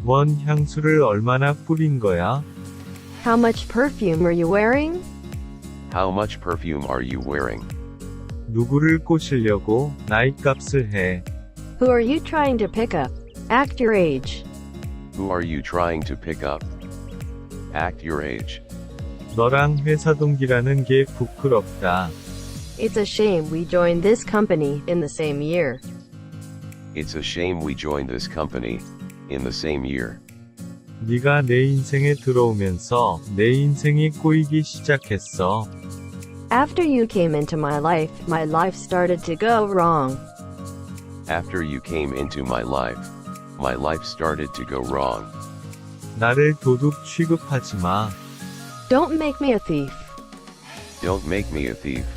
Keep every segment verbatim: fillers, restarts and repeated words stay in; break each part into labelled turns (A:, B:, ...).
A: 원 향수를 얼마나 뿌린 거야?
B: How much perfume are you wearing?
C: How much perfume are you wearing?
A: 누구를 꼬시려고 나이값을 해?
B: Who are you trying to pick up? Act your age.
C: Who are you trying to pick up? Act your age.
A: 너랑 회사 동기라는 게 부끄럽다.
B: It's a shame we joined this company in the same year.
C: It's a shame we joined this company in the same year.
A: 네가 내 인생에 들어오면서 내 인생이 꼬이기 시작했어.
B: After you came into my life, my life started to go wrong.
C: After you came into my life, my life started to go wrong.
A: 나를 도둑 취급하지 마.
B: Don't make me a thief.
C: Don't make me a thief.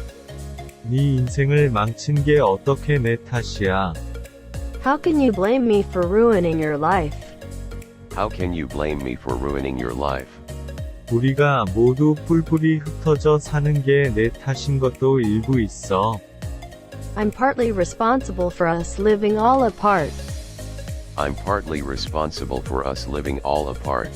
A: 네 인생을 망친 게 어떻게 내 탓이야?
B: How can you blame me for ruining your life?
C: How can you blame me for ruining your life?
A: 우리가 모두 뿔뿔이 흩어져 사는 게 내 탓인 것도 일부 있어.
B: I'm partly responsible for us living all apart.
C: I'm partly responsible for us living all apart.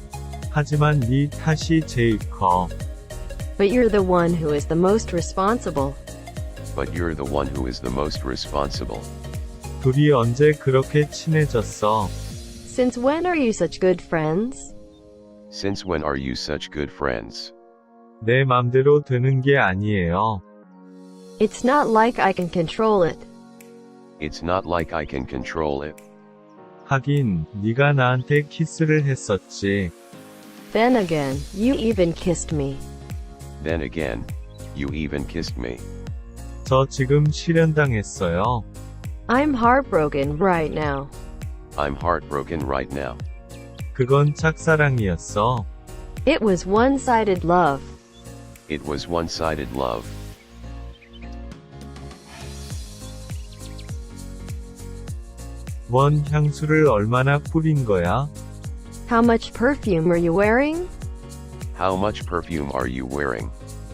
A: 하지만 네 탓이 제일 커.
B: But you're the one who is the most responsible.
C: But you're the one who is the most responsible.
A: 둘이 언제 그렇게 친해졌어?
B: Since when are you such good friends?
C: Since when are you such good friends?
A: 내 맘대로 되는 게 아니에요.
B: It's not like I can control it.
C: It's not like I can control it.
A: 하긴, 네가 나한테 키스를 했었지.
B: Then again, you even kissed me.
C: Then again, you even kissed me.
A: 저 지금 실현당했어요.
B: I'm heartbroken right now.
C: I'm heartbroken right now.
A: 그건 짝사랑이었어.
B: It was one-sided love.
C: It was one-sided love.
A: 원 향수를 얼마나 뿌린 거야?
B: How much perfume are you wearing?
C: How much perfume are you wearing?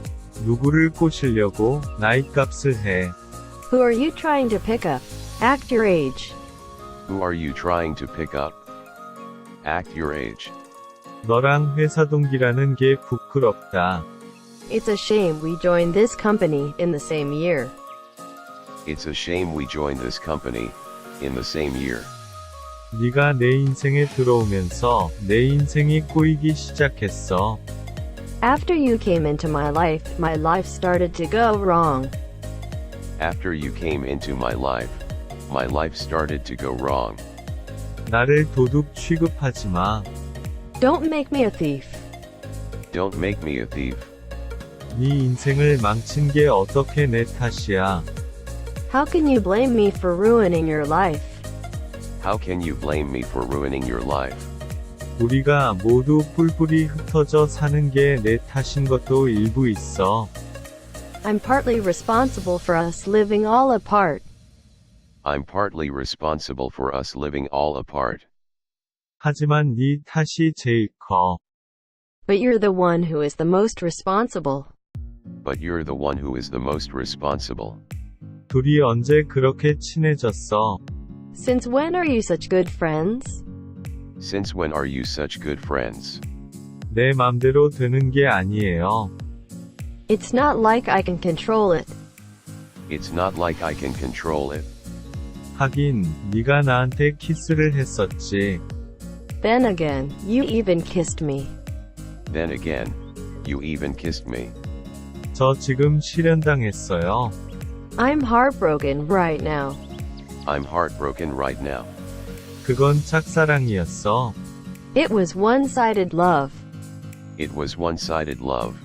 A: 누구를 꼬시려고 나이값을 해?
B: Who are you trying to pick up? Act your age.
C: Who are you trying to pick up? Act your age.
A: 너랑 회사 동기라는 게 부끄럽다.
B: It's a shame we joined this company in the same year.
C: It's a shame we joined this company in the same year.
A: 네가 내 인생에 들어오면서 내 인생이 꼬이기 시작했어.
B: After you came into my life, my life started to go wrong.
C: After you came into my life, my life started to go wrong.
A: 나를 도둑 취급하지 마.
B: Don't make me a thief.
C: Don't make me a thief.
A: 네 인생을 망친 게 어떻게 내 탓이야?
B: How can you blame me for ruining your life?
C: How can you blame me for ruining your life?
A: 우리가 모두 뿔뿔이 흩어져 사는 게 내 탓인 것도 일부 있어.
B: I'm partly responsible for us living all apart.
C: I'm partly responsible for us living all apart.
A: 하지만 네 탓이 제일 커.
B: But you're the one who is the most responsible.
C: But you're the one who is the most responsible.
A: 둘이 언제 그렇게 친해졌어?
B: Since when are you such good friends?
C: Since when are you such good friends?
A: 내 맘대로 되는 게 아니에요.
B: It's not like I can control it.
C: It's not like I can control it.
A: 하긴, 네가 나한테 키스를 했었지.
B: Then again, you even kissed me.
C: Then again, you even kissed me.
A: 저 지금 실현당했어요.
B: I'm heartbroken right now.
C: I'm heartbroken right now.
A: 그건 짝사랑이었어.
B: It was one-sided love.
C: It was one-sided love.